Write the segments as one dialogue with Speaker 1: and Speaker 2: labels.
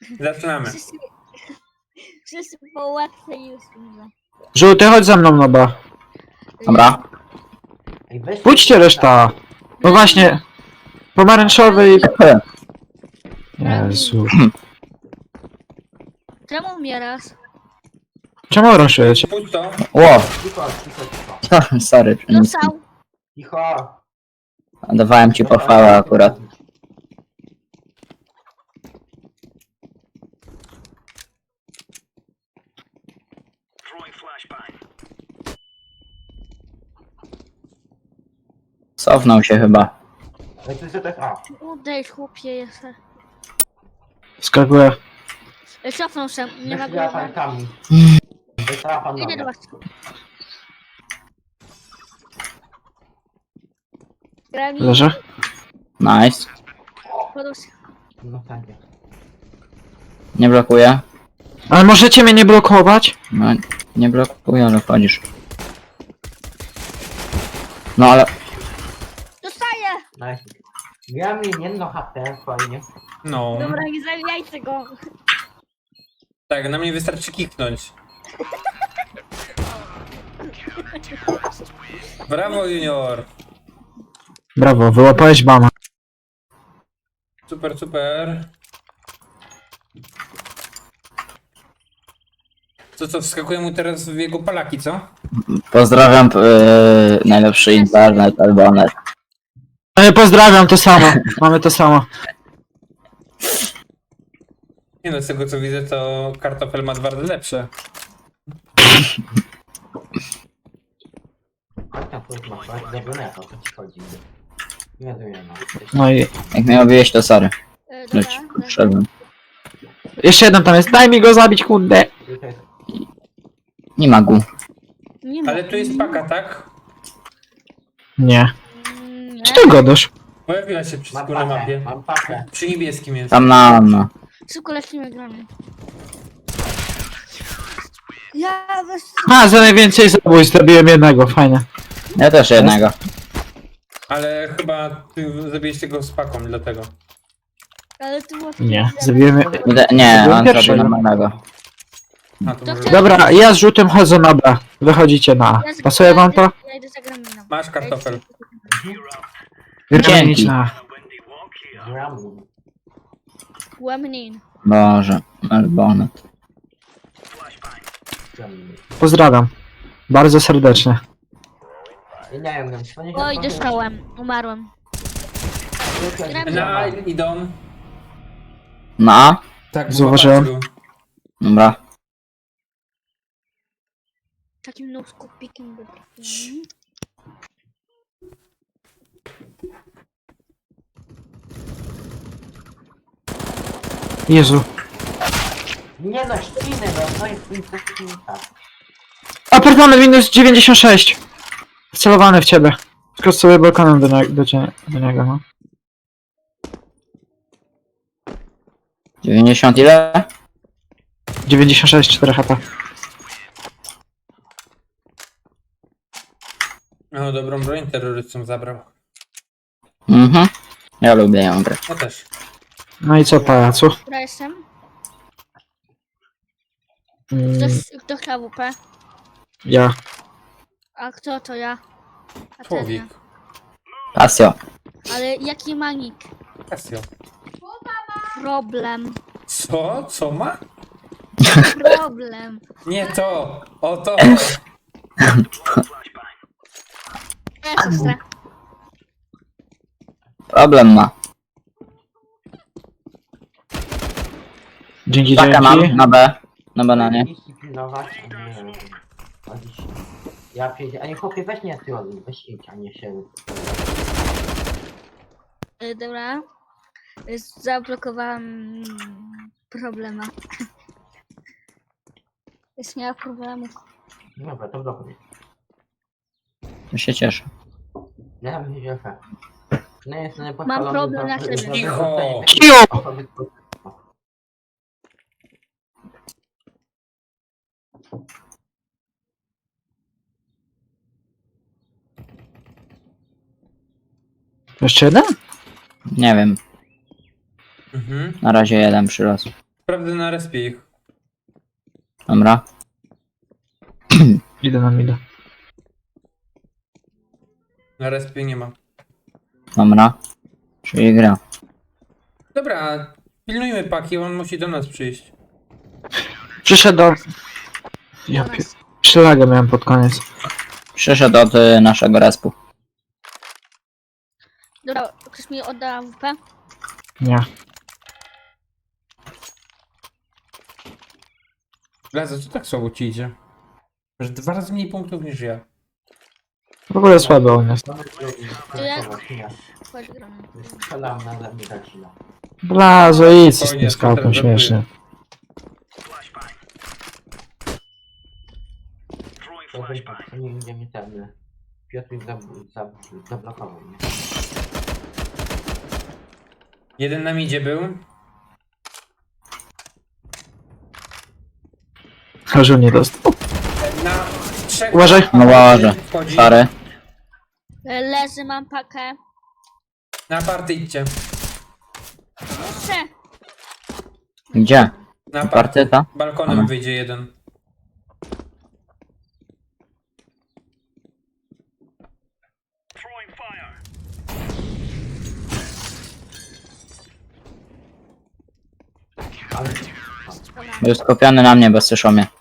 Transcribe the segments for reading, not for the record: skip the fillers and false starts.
Speaker 1: Zaczynamy.
Speaker 2: Wszyscy po łatwe już umrze.
Speaker 3: Żółty, chodź za mną, no ba.
Speaker 4: Dobra.
Speaker 5: Ej, weź
Speaker 3: Pójdźcie reszta. No właśnie. Pomarańczowy i... Jezu.
Speaker 2: Czemu umierasz?
Speaker 3: Czemu raszujecie?
Speaker 1: Pójdź to.
Speaker 4: Ło,
Speaker 5: Cicho.
Speaker 4: sorry.
Speaker 2: Dostał.
Speaker 5: Cicho.
Speaker 4: Dawałem ci pochwałę akurat. Cofnął się chyba.
Speaker 5: Ej, to jest tak, a.
Speaker 2: Udejdź chłopie jeszcze.
Speaker 3: Skakuję.
Speaker 2: Cofnął się, nie ma
Speaker 5: Weź ja
Speaker 2: go.
Speaker 5: tankami. Weź trapa
Speaker 2: Idę do
Speaker 5: noga.
Speaker 2: was. Grali.
Speaker 3: Leżę.
Speaker 4: Nice.
Speaker 2: Podłóż.
Speaker 5: No tankie.
Speaker 4: Nie blokuję.
Speaker 3: Ale możecie mnie nie blokować?
Speaker 4: No, nie blokuję, ale wchodzisz. No ale...
Speaker 2: Dostaję!
Speaker 5: Nice. Miałem jedno HP, fajnie.
Speaker 1: No.
Speaker 2: Dobra, nie zabijajcie go.
Speaker 1: Tak, na mnie wystarczy kiknąć. Brawo, junior.
Speaker 3: Brawo, wyłapałeś bama.
Speaker 1: Super, super. Co, wskakuje mu teraz w jego palaki, co?
Speaker 4: Pozdrawiam najlepszy internet, Albonet.
Speaker 3: Pozdrawiam, to samo. Mamy to samo.
Speaker 1: Nie no, z tego co widzę, to kartofel ma 2 razy lepsze.
Speaker 5: Chodź tam, chodź, masz, chodź, zabrane, o co ci chodzi. Nie wiem, no.
Speaker 3: No i...
Speaker 4: Jak mnie obiłeś, to sorry.
Speaker 2: Dobra,
Speaker 4: Leć, wszedłem.
Speaker 3: Jeszcze jeden tam jest. Daj mi go zabić, kurde.
Speaker 5: Tutaj jest
Speaker 4: Nie ma gu.
Speaker 2: nie ma.
Speaker 1: Ale tu jest paka, tak?
Speaker 3: Nie.
Speaker 2: Nie.
Speaker 3: Czy ty godasz?
Speaker 1: Pojawiła się przy
Speaker 5: Mam
Speaker 1: na mapie.
Speaker 5: pakę, mam pakę.
Speaker 1: Przy niebieskim jest.
Speaker 4: Tam na... No.
Speaker 2: Szybko lecimy gramy. Ja weź...
Speaker 3: A, za najwięcej zabójstw zrobiłem jednego, fajnie.
Speaker 4: Ja też jednego.
Speaker 1: Ale chyba ty zabiłeś tego z paką, dlatego.
Speaker 2: Ale tu było...
Speaker 3: Nie, zabiłem...
Speaker 4: Nie,
Speaker 3: Byłem
Speaker 4: on
Speaker 3: pierwszy.
Speaker 4: zrobił normalnego.
Speaker 1: A, to
Speaker 2: To
Speaker 1: może...
Speaker 2: chciałem-
Speaker 3: Dobra, ja z żółtym chodzę na B. Wychodzicie na A. Pasuje wam to?
Speaker 2: Ja idę za graminą.
Speaker 1: Masz kartofel.
Speaker 3: Gramy na A.
Speaker 5: Gram.
Speaker 2: Łemnin.
Speaker 4: Boże, Albonet.
Speaker 3: Pozdrawiam. Bardzo serdecznie.
Speaker 5: Ja nie wiem, to nie
Speaker 2: Oj, dostałem. Umarłem.
Speaker 1: Na A idą.
Speaker 4: Na?
Speaker 1: Tak,
Speaker 3: Zauważyłem.
Speaker 1: zobaczył.
Speaker 4: Dobra.
Speaker 2: Takim noskopikiem go trafiłem.
Speaker 3: Jezu.
Speaker 5: Nie no, ścinę go, no i tak.
Speaker 3: Apartament minus 96. Wcelowany w ciebie. Skrót sobie balkonem do niego, no.
Speaker 4: 90 ile?
Speaker 3: 96, 4 HP.
Speaker 1: No, dobrą broń terrorystom zabrał.
Speaker 4: Mhm. Ja lubię ją grać.
Speaker 1: Ja też.
Speaker 3: No i co, pajacu?
Speaker 2: Która jestem?
Speaker 3: Mm,
Speaker 2: Kto chciał WP?
Speaker 3: ja.
Speaker 2: A kto to ja? A ten
Speaker 1: Człowiek.
Speaker 2: ja.
Speaker 4: Pasjo.
Speaker 2: Ale jaki ma nick?
Speaker 1: Casio.
Speaker 2: Problem.
Speaker 1: Co? Co ma?
Speaker 2: Problem.
Speaker 1: Nie to! O to!
Speaker 2: Ja siostra.
Speaker 4: Problem ma.
Speaker 3: Dzięki,
Speaker 4: Taka mam
Speaker 3: dzięki.
Speaker 4: na B. Na bananie.
Speaker 5: Dyscyplinować, a nie chodzić. Ja przyjdę, a nie chłopie, weź nie ty weź idź, a nie się...
Speaker 2: Dobra. Zablokowałam problema. Jest miała problemu.
Speaker 5: Dobra, to blokuj.
Speaker 4: To się cieszę.
Speaker 5: Ja bym się cieszę. No jest
Speaker 2: Mam problem na siebie.
Speaker 1: Cicho!
Speaker 3: Cicho! Jeszcze jeden?
Speaker 4: Nie wiem.
Speaker 1: Mhm.
Speaker 4: Na razie jeden przyrost.
Speaker 1: Sprawdzę na respie ich.
Speaker 4: Dobra.
Speaker 3: Idę na mida.
Speaker 1: Na respie nie ma.
Speaker 4: Dobra. Czyli gra.
Speaker 1: Dobra, pilnujmy paki, on musi do nas przyjść.
Speaker 3: Przyszedł do... Ja
Speaker 2: Do
Speaker 3: pie...
Speaker 2: nas.
Speaker 3: Przylagę miałem pod koniec.
Speaker 4: Przyszedł od naszego respu.
Speaker 2: Dobra, ktoś mi odda AWP?
Speaker 3: Nie.
Speaker 1: Blazo, co tak słabo ci idzie? Masz 2 razy mniej punktów niż ja.
Speaker 3: W ogóle słaby on jest.
Speaker 5: Mamy drugi,
Speaker 2: Ja-
Speaker 5: nie.
Speaker 2: Chodź, gramy.
Speaker 5: Strzelam na ze mnie zacina.
Speaker 3: Blazo, idź z
Speaker 1: Spokojnie,
Speaker 3: tym skałką
Speaker 1: to
Speaker 3: śmiesznie.
Speaker 5: To nie będzie mi ten... Piotr zablokował mnie.
Speaker 1: Jeden na midzie był.
Speaker 3: Że nie dostał.
Speaker 1: Na 3.
Speaker 3: Uważaj.
Speaker 4: No łaże.
Speaker 1: Wchodzi.
Speaker 4: Sorry.
Speaker 2: Leży, mam pakę.
Speaker 1: Na party idźcie.
Speaker 2: Jeszcze!
Speaker 4: Gdzie?
Speaker 1: Na party.
Speaker 4: Partyta?
Speaker 1: Balkonem
Speaker 4: Aha.
Speaker 1: wyjdzie jeden.
Speaker 5: Ale...
Speaker 4: Był skupiony na mnie, bo słyszał mnie.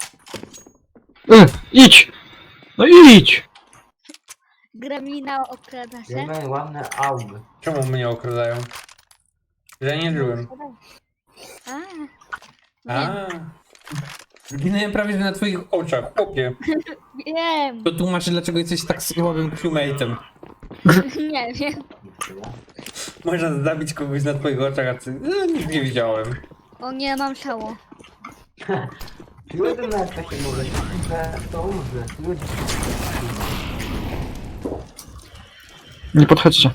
Speaker 3: Idź! No idź!
Speaker 2: Gremlina okrada się.
Speaker 5: Mamy ładne aug.
Speaker 1: Czemu mnie okradają? Że ja nie żyłem.
Speaker 2: A,
Speaker 1: A. Zginąłem prawie że na twoich oczach, chłopie.
Speaker 2: wiem.
Speaker 1: To tłumaczy, dlaczego jesteś tak słabym crewmate'em.
Speaker 2: Nie wiem.
Speaker 1: Można zabić kogoś na twoich oczach, a ty... nic nie widziałem.
Speaker 2: O nie, mam ciało.
Speaker 5: Ludzie na to się mówi, że to umrze. Ludzie.
Speaker 3: Nie podchodźcie.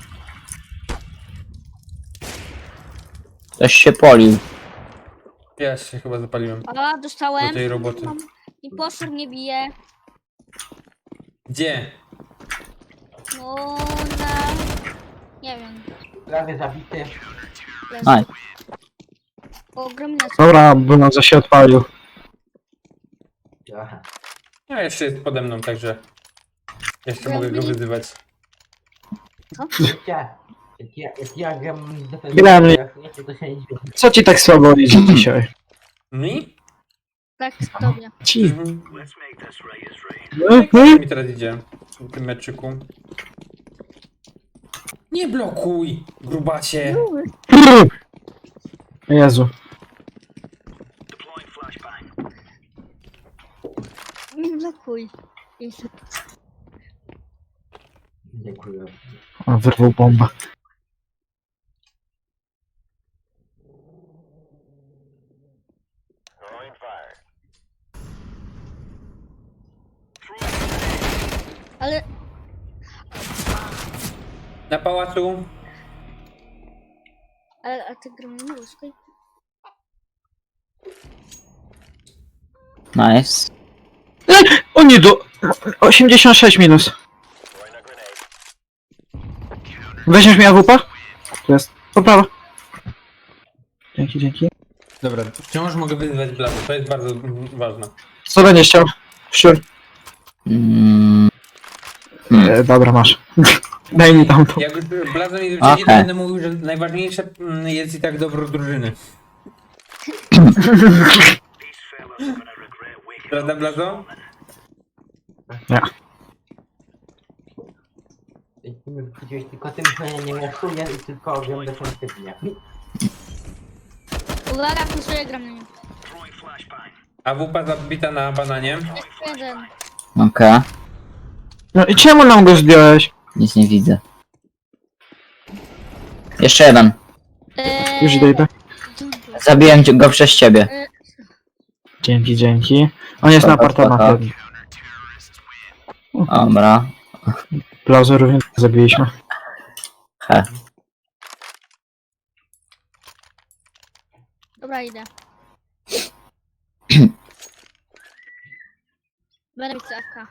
Speaker 4: Ktoś się polił.
Speaker 1: Ja się chyba zapaliłem
Speaker 2: A,
Speaker 1: do
Speaker 2: dostałem.
Speaker 1: tej roboty.
Speaker 2: Impostor mnie bije.
Speaker 1: Gdzie?
Speaker 2: No, na... Nie wiem.
Speaker 5: Prawie zabity.
Speaker 2: Leży.
Speaker 4: Aj.
Speaker 2: O, gremlina.
Speaker 3: Dobra, Bruno się odpalił.
Speaker 5: Aha.
Speaker 1: A jeszcze jest pode mną, także... Jeszcze mogę go wyzywać.
Speaker 5: Wiecie, jak ja gram z
Speaker 3: Gremlin.
Speaker 5: jak nie, to się nie dziwię.
Speaker 3: Co ci tak słabo idzie dzisiaj?
Speaker 1: Mi?
Speaker 2: Tak, tobie.
Speaker 3: Ci.
Speaker 1: Mhm.
Speaker 3: Mhm.
Speaker 1: Mi teraz idzie w tym meczyku. Nie blokuj, grubacie.
Speaker 3: Jezu.
Speaker 2: Nie blokuj. Jezu.
Speaker 5: Dziękuję.
Speaker 3: On wyrwał bombę.
Speaker 2: Ale
Speaker 1: Na pałacu.
Speaker 2: a ty gremlina łuskaj?
Speaker 4: Nice.
Speaker 3: O nie, do... 86 minus. Weźmiesz mi AWP? Tu jest. Poprawa. Dzięki, dzięki.
Speaker 1: Dobra, wciąż mogę wyzywać blady, to jest bardzo ważne.
Speaker 3: Co będziesz chciał? Sure.
Speaker 4: Mm,
Speaker 3: Dobra, masz. Daj mi tam to.
Speaker 1: Jak już blado mi wyjdzie, to
Speaker 4: Okej.
Speaker 1: będę mówił, że najważniejsze jest i tak dobro drużyny. Prawda, Blazo?
Speaker 3: Nie.
Speaker 5: Widziałeś tylko tym, że ja nie raszuję i tylko gram defensywnie.
Speaker 2: Uwaga, kusuję gremlina.
Speaker 1: A wupa zabita na bananie.
Speaker 2: Jeszcze jeden.
Speaker 4: Okej.
Speaker 3: No i czemu nam go zdjąłeś?
Speaker 4: Nic nie widzę. Jeszcze jeden.
Speaker 3: Już idę.
Speaker 4: Zabiłem go przez ciebie.
Speaker 3: Dzięki, dzięki. On jest na apartamencie.
Speaker 4: Dobra.
Speaker 3: Plauzę również zabiliśmy.
Speaker 4: He.
Speaker 2: Dobra, idę. Będę mieć CFK.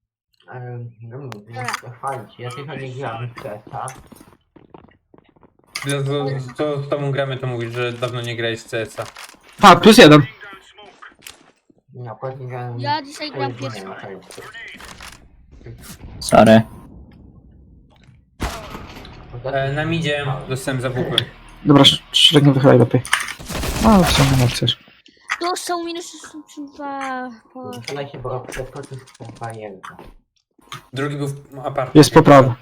Speaker 5: No, chwalić, ja tylko nie gram w CS-a.
Speaker 1: Co z tobą gramy, to mówisz, że dawno nie grałeś w CS-a.
Speaker 3: A, +1.
Speaker 5: No, powiedziałem...
Speaker 2: Ja dzisiaj gram pierwszy.
Speaker 4: Sorry.
Speaker 1: Na midzie dostałem za WP.
Speaker 3: Dobra, Szczurek nie wychylaj lepiej. No, w sumie nie chcesz.
Speaker 2: To są minus 62.
Speaker 5: Przelej się, bo przeskoczył z barierka.
Speaker 1: Drugi był w aparcie.
Speaker 3: Jest poprawa.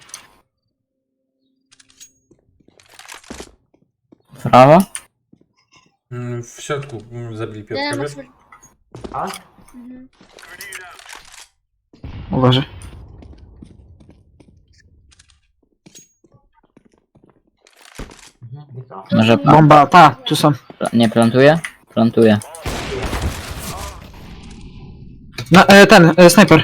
Speaker 4: Prawo?
Speaker 1: W środku zabili
Speaker 2: Ja
Speaker 1: Piotrka,
Speaker 2: masz...
Speaker 1: wiesz?
Speaker 5: A?
Speaker 2: Mhm.
Speaker 3: Uważaj.
Speaker 5: Mhm, i co?
Speaker 4: Może
Speaker 3: Bomba, ta, tu są.
Speaker 4: nie plantuje? Plantuje.
Speaker 3: No, snajper.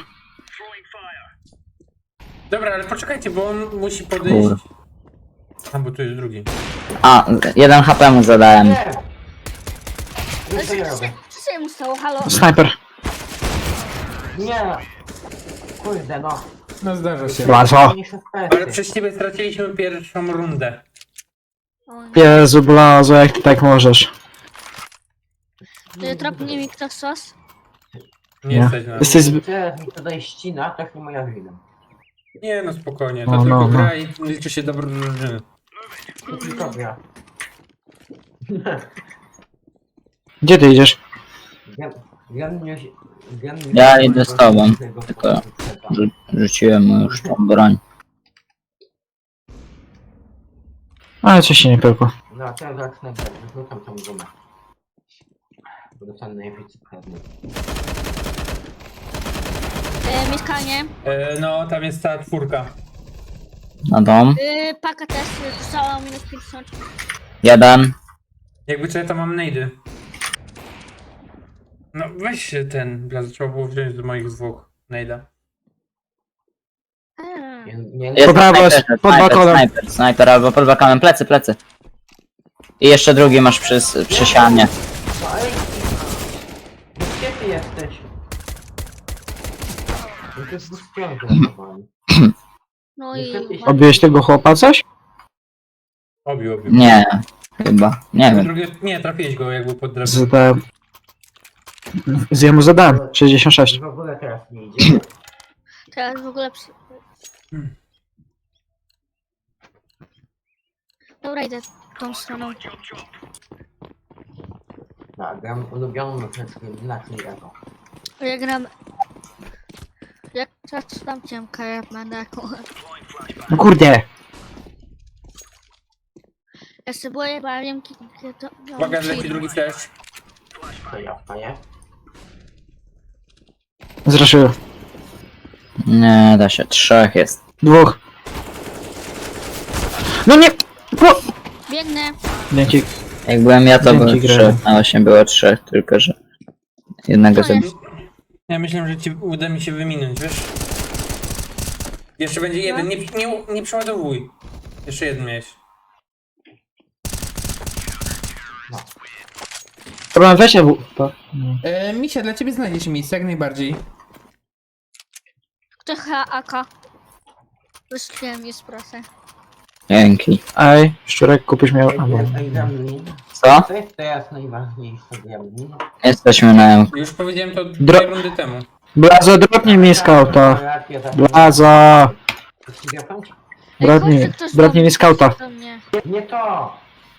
Speaker 1: Dobra, ale poczekajcie, bo on musi podejść.
Speaker 4: Kur.
Speaker 1: A, bo tu jest drugi.
Speaker 4: A, 1 HP mu zadałem.
Speaker 5: Nie!
Speaker 2: Ale
Speaker 5: Już to ja robię.
Speaker 2: co się mu stało? Halo?
Speaker 3: Snajper.
Speaker 5: Nie! Kurde, no.
Speaker 1: No zdarza się.
Speaker 3: Blazo.
Speaker 5: Niż
Speaker 1: Ale przez ciebie straciliśmy pierwszą rundę.
Speaker 2: O nie.
Speaker 3: Jezu, Blazo, jak ty tak możesz?
Speaker 2: Tropnie mi ktoś sos?
Speaker 1: Nie
Speaker 3: Nie.
Speaker 1: stać na...
Speaker 3: Jesteś zbyt...
Speaker 5: Teraz mi tutaj ścina, to nie moja wina.
Speaker 1: Nie no, spokojnie, to
Speaker 3: No,
Speaker 1: tylko
Speaker 3: no, no.
Speaker 1: gra i liczy się dobro drużyny.
Speaker 5: To tylko gra.
Speaker 3: Gdzie ty idziesz?
Speaker 4: Ja idę z tobą, tylko rzuciłem mu już tą broń.
Speaker 3: Ale coś się nie pyłko.
Speaker 5: No, teraz zacznę, wrzucam tą gumę. Bo dostanę najwięcej pewnie.
Speaker 2: Mieszkanie.
Speaker 1: No, tam jest ta czwórka.
Speaker 4: Na dom.
Speaker 2: Paka też dostała minus 50.
Speaker 4: 1.
Speaker 1: Jakby co ja tam mam nejdy. No weź się ten, trzeba było wziąć do moich zwłok nejda.
Speaker 4: Jest
Speaker 3: Po prawo jest,
Speaker 4: snajper,
Speaker 3: pod
Speaker 4: snajper,
Speaker 3: balkonem.
Speaker 4: snajper albo pod balkonem. Plecy, plecy. I jeszcze drugi masz przy ścianie.
Speaker 5: No ej! No gdzie ty jesteś? No to jest bezpieczne zachowanie.
Speaker 2: No i...
Speaker 3: Obiłeś tego chłopa coś?
Speaker 1: Obił.
Speaker 4: Nie, chyba. Nie wiem.
Speaker 1: Drugie, nie, trafiłeś go jakby pod drewno.
Speaker 3: Zadałem... Z jemu zadałem. 66.
Speaker 5: W ogóle teraz nie idzie.
Speaker 2: Teraz w ogóle... Dobra, idę tą stroną.
Speaker 5: Tak, gram ulubioną mechaniczkę na czyli Echo.
Speaker 2: Ja gram... Jak tam ciemka, ja będę jako...
Speaker 3: No kurde.
Speaker 2: Ja sobie boję, bo ja wiem, kiedy to... no,
Speaker 1: Uwaga, leci
Speaker 2: przyjdę.
Speaker 1: drugi flash.
Speaker 5: To ja wstaję.
Speaker 3: Zraszyłem.
Speaker 4: Nie da się. 3 jest.
Speaker 3: 2. No nie! Po...
Speaker 2: Biegnę.
Speaker 3: Dzięki.
Speaker 4: Jak byłem ja, to
Speaker 3: Dzięki,
Speaker 4: były 3.
Speaker 3: Greg.
Speaker 4: A właśnie było 3, tylko że jednego
Speaker 2: To jest.
Speaker 4: zabił.
Speaker 1: Ja myślałem, że ci uda mi się wyminąć, wiesz? Jeszcze będzie jeden, nie przeładowuj. Jeszcze jeden miałeś.
Speaker 3: Problem, weź EW.
Speaker 1: Misia, dla ciebie znajdzie się miejsce, jak najbardziej.
Speaker 2: Kto AK? Wyszliłem jest proszę.
Speaker 4: Dzięki.
Speaker 3: Ej, Szczurek, kupisz miał... Albo...
Speaker 5: Ej, Gremlin.
Speaker 4: Co?
Speaker 5: To jest teraz najważniejsze Gremlin.
Speaker 4: Jesteśmy na M.
Speaker 1: Już powiedziałem to
Speaker 3: Dro-
Speaker 1: 2 rundy temu.
Speaker 3: Blazo, dropnij mi skauta. Blazo. Bratnie mi skauta.
Speaker 2: Do mnie.
Speaker 5: Nie to!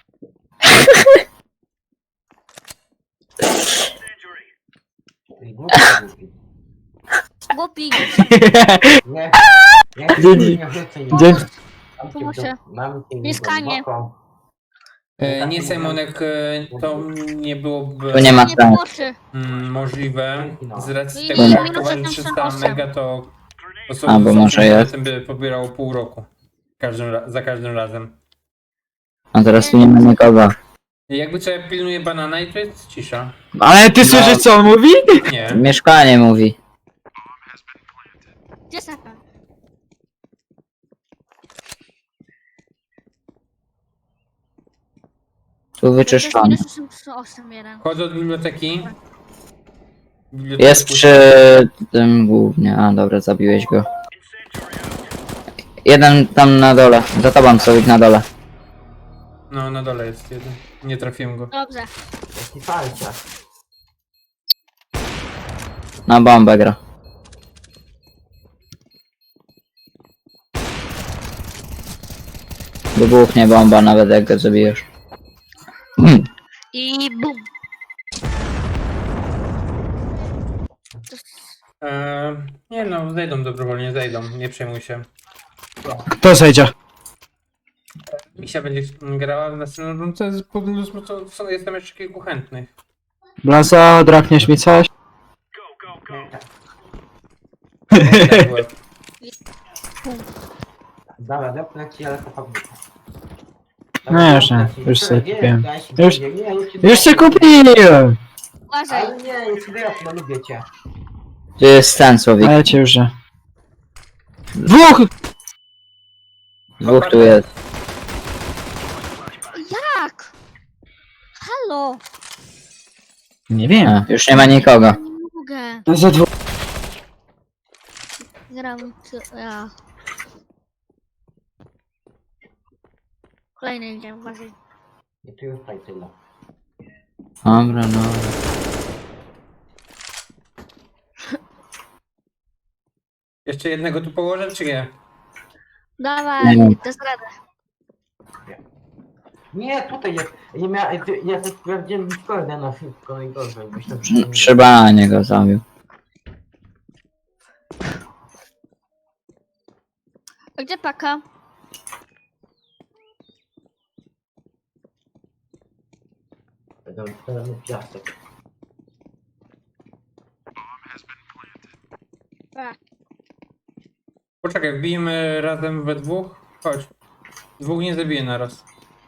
Speaker 5: Ej, głupi, głupi.
Speaker 2: Głupi.
Speaker 5: Nie, nie,
Speaker 3: Dzięki.
Speaker 5: nie rzucę nic.
Speaker 3: Dzięki.
Speaker 5: Mam cię
Speaker 2: Pomóż
Speaker 5: w
Speaker 2: się.
Speaker 5: dupę, mam cię
Speaker 2: Mieszkanie.
Speaker 5: głęboko.
Speaker 1: Nie, Simonek, to nie byłoby
Speaker 4: Tu nie ma
Speaker 2: Nie
Speaker 4: sensu.
Speaker 2: pomocy.
Speaker 1: możliwe. Z racji
Speaker 2: No
Speaker 1: tego,
Speaker 2: i
Speaker 1: że
Speaker 2: minus
Speaker 1: aktowali
Speaker 2: 88.
Speaker 1: 300 mega, to
Speaker 4: Albo może jest.
Speaker 1: tym by pobierało pół roku. Za każdym razem.
Speaker 4: A teraz tu nie ma nikogo.
Speaker 1: Jakby co, ja pilnuję banana i to jest cisza.
Speaker 3: Ale ty słyszysz co on mówi?
Speaker 1: Nie.
Speaker 4: Mieszkanie mówi.
Speaker 2: Gdzie Saka?
Speaker 4: Tu wyczyszczony.
Speaker 2: Minus 881.
Speaker 1: Chodzę od biblioteki.
Speaker 4: Jest przy tym głównie. A dobra, zabiłeś go. Jeden tam na dole. Za tobą, Słowik, na dole.
Speaker 1: No, na dole jest jeden. Nie trafiłem go.
Speaker 2: Dobrze.
Speaker 5: Jaki falcia.
Speaker 4: Na bombę gra. Wybuchnie bomba nawet jak go zabijesz.
Speaker 2: I bum.
Speaker 1: Nie no, zejdą dobrowolnie, zejdą. Nie przejmuj się.
Speaker 3: Kto zejdzie?
Speaker 1: Misia będzie grała w następnym rundce, jestem jeszcze kilku chętnych.
Speaker 3: Blaza, drakniesz mi coś?
Speaker 1: Tak, byłem.
Speaker 5: Dobra, dopnę ci, ale to fabryka.
Speaker 3: No już nie, już sobie kupiłem. Już się
Speaker 5: kupiłem.
Speaker 3: kupiłem!
Speaker 2: Uważaj.
Speaker 5: Ale nie, już dopnę, lubię cię.
Speaker 4: Gdzie jest ten Słowik?
Speaker 3: Ale cię już nie. Dwóch!
Speaker 4: Dwóch tu jest.
Speaker 2: Jak? Halo.
Speaker 3: Nie wiem.
Speaker 4: A, już nie ma nikogo.
Speaker 2: Nie mogę.
Speaker 3: To za dwóch.
Speaker 2: Gram co ja. Kolejny idziemy, uważaj.
Speaker 5: I tu już tutaj tyle.
Speaker 4: Dobra, no.
Speaker 1: Jeszcze jednego tu położę, czy nie?
Speaker 2: Dawaj,
Speaker 4: Nie.
Speaker 2: to zradę.
Speaker 5: Nie, tutaj jest. Nie miałem. Ja to sprawdziłem Discorda na wszystko najgorzej. Myślę, że to nie-
Speaker 4: Trzeba niego zabił.
Speaker 2: A gdzie paka?
Speaker 5: Ten piasek.
Speaker 1: Poczekaj, wbijmy razem we dwóch. Chodź. Dwóch nie zabiję naraz.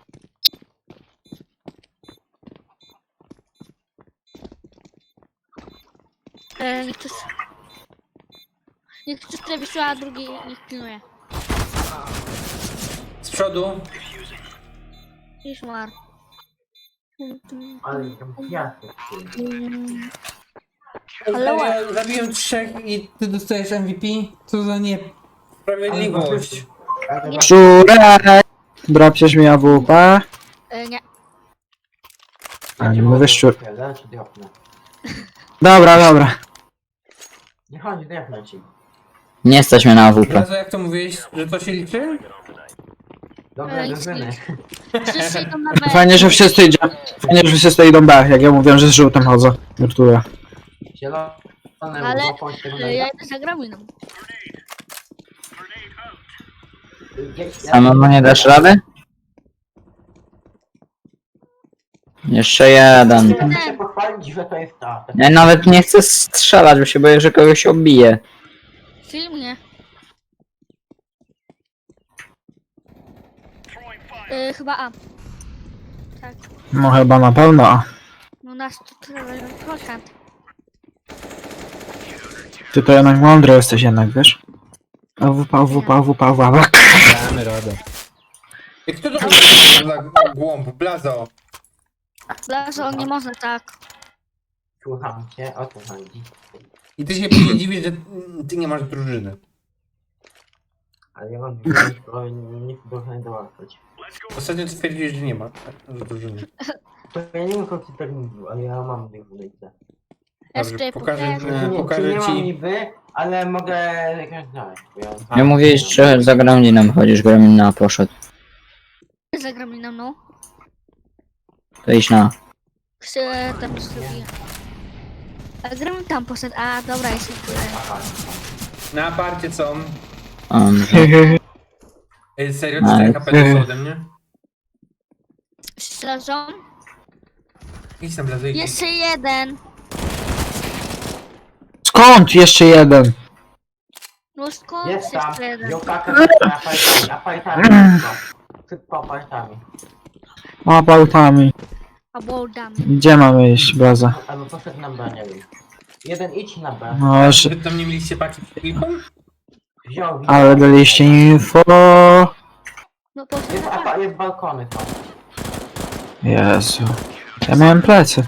Speaker 2: Niech ktoś... Niech ktoś tyle wysyła, a drugi niech pilnuje.
Speaker 1: Z przodu.
Speaker 2: Już mar.
Speaker 5: Ale tam piasek.
Speaker 2: Ale
Speaker 1: Ja zabiłem trzech i ty dostajesz MVP? Co za niesprawiedliwość.
Speaker 3: Szczurek! Drapsiesz mi AWP?
Speaker 2: Nie.
Speaker 3: A nie mówię szczur.
Speaker 5: Zaraz ci dropnę.
Speaker 3: Dobra, dobra.
Speaker 5: Nie chodź, dropnę ci.
Speaker 4: Nie stać mnie na AWP.
Speaker 1: Razu jak to mówiłeś, że to się liczy?
Speaker 5: Dobra,
Speaker 2: Ej,
Speaker 5: drużyny.
Speaker 2: Wszyscy idą na B.
Speaker 3: Fajnie, że wszyscy idą. Fajnie, że wszyscy idą B. Jak ja mówiłem, że z żółtym chodzę. Żartuję.
Speaker 5: Zielone,
Speaker 2: Ale,
Speaker 5: łapą się
Speaker 2: Ja idę za grabiną.
Speaker 4: Samemu nie dasz rady? Jeszcze jeden.
Speaker 5: Chcę się pochwalić, że to jest ta.
Speaker 4: Ja nawet nie chcę strzelać, bo się boję, że kogoś obije.
Speaker 2: Film nie. Chyba A. Tak.
Speaker 3: No chyba na pewno. A
Speaker 2: No nas tu tyle procent.
Speaker 3: ty to jednak mądry jesteś jednak, wiesz? AWP, AWP, AWP, AWP.
Speaker 6: Damy radę.
Speaker 1: I kto to za głąb? Blazo.
Speaker 2: Blazo, nie można tak.
Speaker 5: Słucham cię, o co chodzi.
Speaker 1: I ty się później dziwisz, że ty nie masz drużyny.
Speaker 5: Ale ja mam drużynę, bo nie chcę drużyny dołapać.
Speaker 1: Ostatnio stwierdziłeś, że nie ma drużyny.
Speaker 5: To ja nie wiem, co ci tak mówił, ale ja mam drużynę.
Speaker 2: Jeszcze
Speaker 1: pokażę,
Speaker 2: pokażę.
Speaker 1: pokażę
Speaker 5: nie mam
Speaker 1: ci.
Speaker 5: niby, ale mogę jakąś znaleźć. Bo ja...
Speaker 4: Nie mówiłeś, że za Gremlinem chodzisz, Gremlina poszedł.
Speaker 2: Za grabiną, no.
Speaker 4: To idź na.
Speaker 2: Chcę tam zrobię. A gramy tam poszedł. A, dobra, jest tyle.
Speaker 1: Na aparcie są. Serio, 4 HP dostał ode mnie?
Speaker 2: Śleżą.
Speaker 1: Idź tam, Blazo, idź.
Speaker 2: Jeszcze jeden.
Speaker 3: Skąd jeszcze jeden?
Speaker 2: No skąd
Speaker 5: Jest tam,
Speaker 2: jeszcze jeden?
Speaker 5: wziął pakę apartami. Szybko apartami.
Speaker 3: Apautami.
Speaker 2: Albo damy.
Speaker 3: Gdzie mamy iść, Blaza?
Speaker 5: Albo poszedł na B, nie wiem. Jeden idź na B.
Speaker 3: No jeszcze...
Speaker 1: Wy tam nie mieliście paki z kilką?
Speaker 5: Wziął.
Speaker 3: Ale daliście info.
Speaker 2: No poszedł
Speaker 5: Jest,
Speaker 2: na B.
Speaker 5: jest balkony są.
Speaker 3: Jezu. Ja miałem plecy.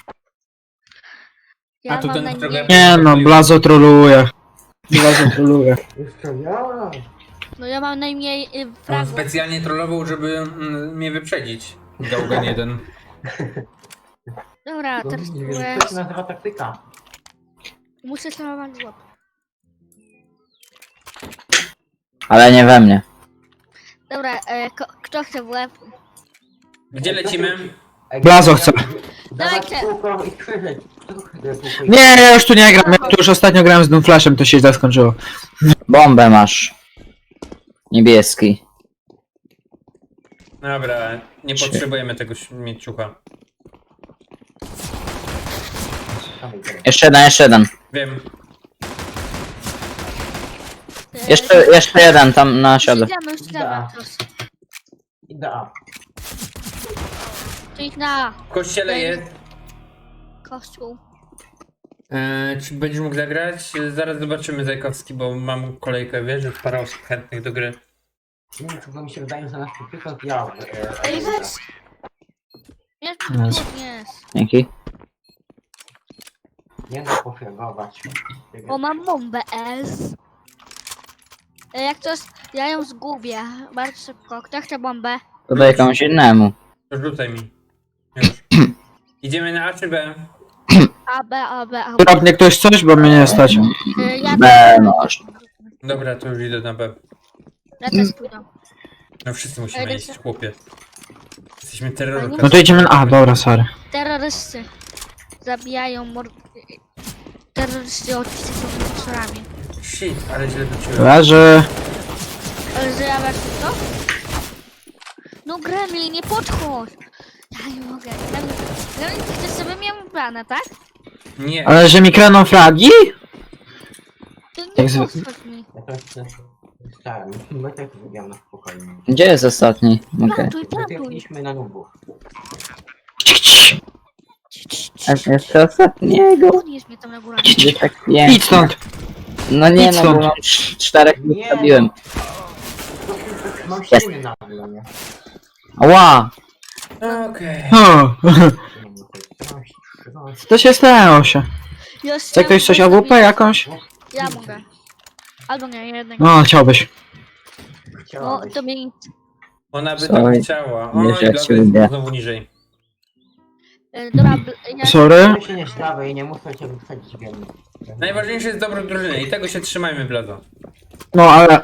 Speaker 2: Ja
Speaker 1: A tu
Speaker 2: mam
Speaker 1: ten,
Speaker 2: na
Speaker 1: którego ja
Speaker 2: nie.
Speaker 3: Nie no, Blazo troluje. Blazo troluje.
Speaker 5: Jeszcze ja.
Speaker 2: No ja mam najmniej
Speaker 1: On
Speaker 2: fragów.
Speaker 1: specjalnie trollował, żeby mnie wyprzedzić. Gałgan 1.
Speaker 2: Dobra,
Speaker 5: To
Speaker 2: teraz
Speaker 5: nie wiem,
Speaker 2: byłeś...
Speaker 5: to się nazywa taktyka.
Speaker 2: Muszę szanować złap.
Speaker 4: Ale nie we mnie.
Speaker 2: Dobra, kto chce w łeb?
Speaker 1: Gdzie lecimy?
Speaker 3: Blazo chce.
Speaker 5: Dawać
Speaker 2: Dajcie.
Speaker 5: kółko i krzyżyć. Kto chce kółko i
Speaker 3: Nie, ja już tu nie gram, ja tu już ostatnio grałem z Doomflashem, to się źle skończyło.
Speaker 4: Bombę masz. Niebieski.
Speaker 1: Dobra, nie potrzebujemy tego mieczucha.
Speaker 4: Jeszcze jeden.
Speaker 1: Wiem.
Speaker 4: Jeszcze jeden tam na siodle.
Speaker 2: Już idziemy
Speaker 5: Da.
Speaker 2: teraz.
Speaker 5: Idea.
Speaker 2: Czyli na
Speaker 1: W kościele jest.
Speaker 2: kościół.
Speaker 1: Czy będziesz mógł zagrać? Zaraz zobaczymy Zajkowski, bo mam kolejkę, wiesz, że parę osób chętnych do gry.
Speaker 5: Nie wiem, czy to mi się wydaje, że nasz przykład ja.
Speaker 2: Ej, weź! Jest,
Speaker 3: Jest.
Speaker 2: jest.
Speaker 4: Dzięki.
Speaker 5: Nie da pofregować.
Speaker 2: O, mam bombę S. Jak coś, ja ją zgubię. Bardzo szybko. Kto chce bombę?
Speaker 4: To daj komuś innemu.
Speaker 1: To rzucaj mi. Już. Idziemy na A czy B?
Speaker 2: A, B, A, B, A, B.
Speaker 3: Drobnie ktoś coś, bo mnie nie stać.
Speaker 2: Ja
Speaker 4: B masz.
Speaker 1: Dobra, to już idę na B.
Speaker 2: Ja też pójdę.
Speaker 1: No wszyscy musimy
Speaker 2: Ej,
Speaker 1: iść,
Speaker 2: lecę.
Speaker 1: chłopie. Jesteśmy terrorem.
Speaker 3: No to idziemy na... A, dobra, sorry.
Speaker 2: Terrorysty. Zabijają terrorysty odcisy są monsterami.
Speaker 1: Shit, ale źle wróciłem.
Speaker 3: Leży.
Speaker 2: Ale zjawia się to? No Gremlin, nie podchodź! Ja nie mogę. Gremlin, ty chcesz sobie mnie ubrane, tak?
Speaker 1: Nie,
Speaker 3: Ale że mi kreną fragi?
Speaker 2: To nie
Speaker 3: Jak zwy-
Speaker 2: podchodź mi.
Speaker 5: Ja to chcę. Stałem. My tak wybiegam na spokojnie.
Speaker 4: Gdzie jest ostatni? Okej.
Speaker 2: Plantuj, plantuj.
Speaker 5: Wybiegliśmy na nubów.
Speaker 4: Jeszcze ostatniego.
Speaker 2: Podnieś mnie tam na górę.
Speaker 4: Gdzie tak
Speaker 3: Idź
Speaker 4: pięknie.
Speaker 3: stąd.
Speaker 4: No nie
Speaker 3: Idź
Speaker 4: no, bo
Speaker 3: stąd.
Speaker 4: mam czterech
Speaker 5: Nie.
Speaker 4: wystawiłem.
Speaker 5: Mam
Speaker 4: Jest.
Speaker 5: ściany na mnie.
Speaker 4: Ła!
Speaker 1: okej.
Speaker 3: O, co się stało się? Chce ktoś coś AWP jakąś?
Speaker 2: Ja mogę. Albo nie, jednego.
Speaker 3: No, chciałbyś.
Speaker 2: No, to mnie nic.
Speaker 1: Ona by
Speaker 4: Sorry.
Speaker 1: tak chciała. O,
Speaker 4: Wiesz,
Speaker 1: i
Speaker 4: jak
Speaker 1: Blazo
Speaker 4: się
Speaker 1: jest
Speaker 4: lubię.
Speaker 1: znowu niżej.
Speaker 2: Dobra, ja...
Speaker 3: Sorry.
Speaker 5: Ja się nie stawię i nie muszę cię wyprzedzić wiem.
Speaker 1: Najważniejsze jest dobro drużyny i tego się trzymajmy, Blazo.
Speaker 3: No, ale...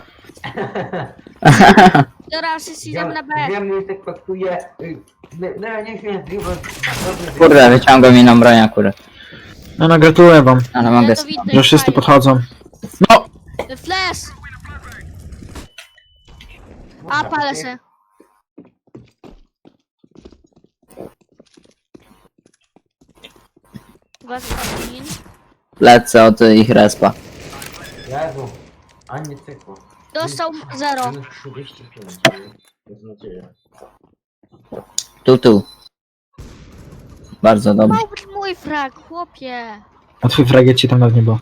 Speaker 2: Dobra, wszyscy idziemy na B.
Speaker 5: Wiem, że tak traktuje. No ja nie wiem,
Speaker 4: Kurde, wyciągam inną broń akurat.
Speaker 3: No, gratuluję wam,
Speaker 4: Ale mogę...
Speaker 2: to widzę,
Speaker 3: że wszyscy
Speaker 2: fajnie.
Speaker 3: podchodzą. No!
Speaker 2: Flash! A, palę się. Uważaj, Gremlin.
Speaker 4: Lecę od ich respa.
Speaker 5: Jezu, a nie cykło.
Speaker 2: Dostał 0.
Speaker 5: Minus 35. Bez nadzieję.
Speaker 4: Tu. Bardzo dobrze.
Speaker 2: Miał być mój frag, chłopie.
Speaker 3: A twój fragiet ci tam nawet nie było.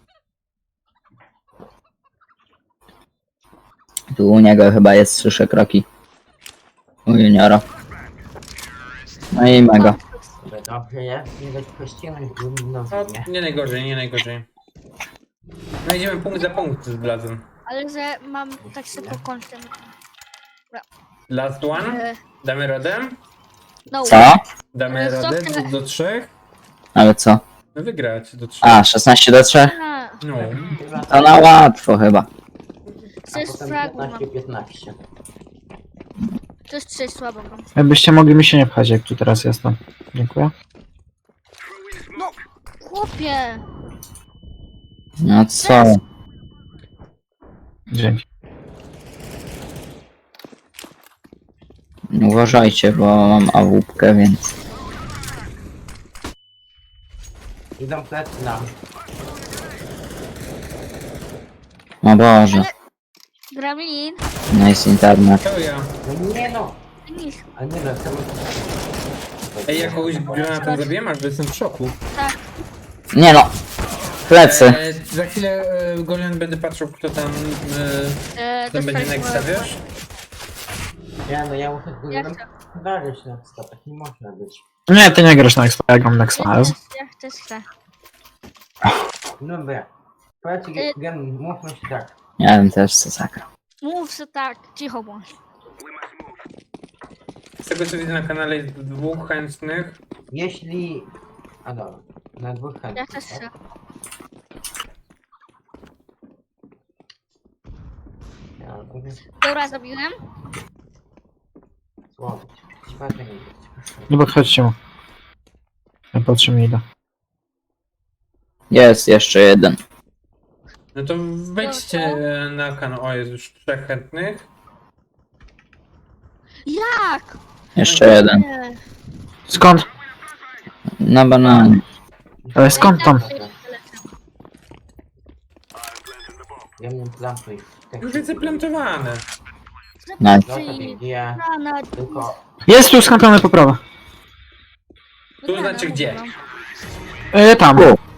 Speaker 4: Tu u niego chyba jest, słyszę kroki. U juniora. No i mega.
Speaker 5: Dobrze jest, nie dać kościelnych no,
Speaker 1: No,
Speaker 5: nie.
Speaker 1: nie najgorzej, nie najgorzej. No idziemy punkt za punkt z Blazem.
Speaker 2: Ale że mam tak szybko kończę.
Speaker 1: Last one? Damy radę?
Speaker 2: No,
Speaker 4: Co?
Speaker 1: Damy
Speaker 2: Ale co
Speaker 1: radę
Speaker 2: ty?
Speaker 1: do 3?
Speaker 4: Ale co?
Speaker 1: No wygrać do 3.
Speaker 4: A, 16-3?
Speaker 1: No.
Speaker 4: To na łatwo chyba.
Speaker 5: A
Speaker 2: 6
Speaker 5: potem
Speaker 2: fragów mam.
Speaker 5: 15.
Speaker 2: To jest 6 słabo mam.
Speaker 3: Jakbyście mogli mi się nie pchać, jak tu teraz jestem. Dziękuję.
Speaker 2: Chłopie!
Speaker 4: No co?
Speaker 3: Dzięki.
Speaker 4: Uważajcie, bo mam AWP, więc...
Speaker 5: Idą plecy nam.
Speaker 4: O Boże.
Speaker 2: Gremlin?
Speaker 4: Nice internet.
Speaker 1: To ja.
Speaker 5: No nie no!
Speaker 2: Nic.
Speaker 5: A nie no, chcemy...
Speaker 1: Ej, ja kogoś granatem zabiłem, aż jestem w szoku.
Speaker 2: Tak.
Speaker 4: Nie no! Plecy.
Speaker 1: Za chwilę Golian będę patrzył, kto tam będzie
Speaker 2: dostaliśmy-
Speaker 1: next, wiesz?
Speaker 5: Nie no, ja muszę z
Speaker 2: Ja
Speaker 5: górą
Speaker 2: chcę.
Speaker 5: dać na tak nie można być.
Speaker 3: Nie, ty nie grasz na Expo, ja gram na Expo.
Speaker 2: Ja chcę.
Speaker 5: Dobra. Powiedz,
Speaker 2: Y-
Speaker 5: mówmy się tak.
Speaker 4: Ja bym też co zagrał.
Speaker 2: Mów se tak, cicho bądź.
Speaker 1: Z tego co widzę na kanale jest 2 chętnych.
Speaker 5: Jeśli... A dobra, na 2
Speaker 2: Ja
Speaker 5: chętnych,
Speaker 2: też chcę.
Speaker 5: Ja robię
Speaker 2: Dobra, zabiłem.
Speaker 5: słowo. Śpewnie nie
Speaker 3: Nie podchodźcie mu. Ja patrzę mi idę.
Speaker 4: Jest jeszcze jeden.
Speaker 1: No to wejdźcie na kanał. O, jest już 3 chętnych.
Speaker 2: Jak?
Speaker 4: Jeszcze jeden.
Speaker 2: Nie.
Speaker 3: Skąd?
Speaker 4: Na bananie.
Speaker 3: Ale skąd tam?
Speaker 5: Ja mnie plantuj.
Speaker 1: Już jest zaplantowane.
Speaker 4: Nice.
Speaker 2: Zabiję.
Speaker 5: Nie,
Speaker 2: Granat.
Speaker 5: tylko...
Speaker 3: Jest tu skampiony po prawo.
Speaker 1: Tu znaczy gdzie?
Speaker 3: Tam.
Speaker 4: U,